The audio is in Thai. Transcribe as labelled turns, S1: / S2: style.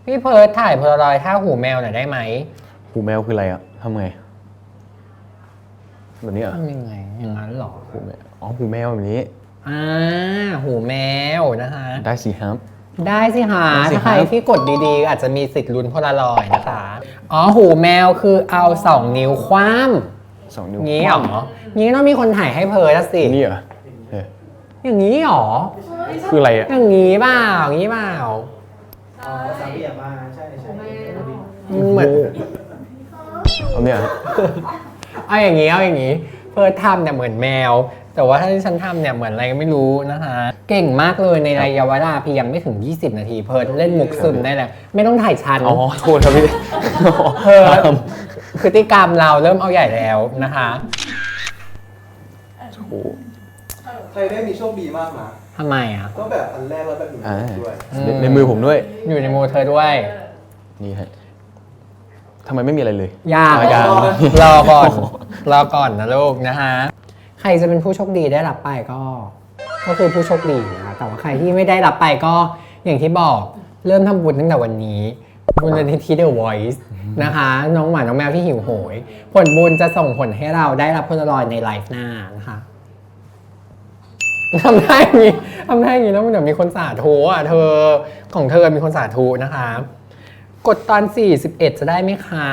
S1: พี่เพิร์ทถ่ายโพลารอยด์ท่าหูแมวหน่อยได้ไหม
S2: หูแมวคืออะไรอะทำไงแบบนี้เหรอ
S1: ทำยังไงอย่างนั้นหรอ
S2: หูแมวอ๋อหูแมวแบบนี้
S1: หูแมวนะคะ
S2: ได้สิครับ
S1: ได้สิหา
S2: ได้สิครับ
S1: ถ้าใครที่กดดีๆอาจจะมีสิทธิ์ลุ้นโพลารอยด์นะคะอ๋อหูแมวคือเอา2 นิ้วคว่
S2: 2 นิ้ว
S1: ำงี้เหรองี้ต้องมีคนถ่ายให้เพิร์ทสิ
S2: นี่เหรอเออ
S1: อย่างนี้เหรอ
S2: คืออะไรอะ
S1: อย่างนี้เปล่าอย่างนี้เปล่า
S3: สามเหลี่ยมมาใช่
S1: มันเหมือน
S2: เอาเนี่ย
S1: เอาอย่างนี้เพิร์ททำเนี่ยเหมือนแมว แต่ว่าถ้าที่ฉันทำเนี่ยเหมือนอะไรก็ไม่รู้นะคะเก่งมากเลยในระยะเวลาเพียงไม่ถึง20 นาทีเพิร์ทเล่นมุกซึมได้แล้วไม่ต้องถ่ายชัน
S2: อ๋อโทษครับพี่
S1: เพิร์ทพฤติกรรมเราเริ่มเอาใหญ่แล้วนะคะ
S2: โอ้โห
S3: ใครได้มีโชคดีมากนะ
S1: ทำไมอ่ะ
S3: ต้องแบบอันแรกแล้วแบบอยู่ด้วย
S2: ในมือผมด้วย
S1: อยู่ในมือเธอด้วย
S2: นี่ฮะทำไมไม่มีอะไรเลย
S1: ยาก
S2: ยาก
S1: รอก่อนนะลูกนะคะใครจะเป็นผู้โชคดีได้รับไปก็คือผู้โชคดีนะคะแต่ว่าใครที่ไม่ได้รับไปก็อย่างที่บอกเริ่มทำบุญตั้งแต่วันนี้บุญนิธิ The Voice นะคะน้องหมาน้องแมวที่หิวโหยผลบุญจะส่งผลให้เราได้รับโพลารอยด์ในไลฟ์หน้านะคะทำได้อย่างนี้แล้วมันเดี๋ยวมีคนสาธุอ่ะเธอของเธอมีคนสาธุนะคะกดตอน41จะได้ไหมคะ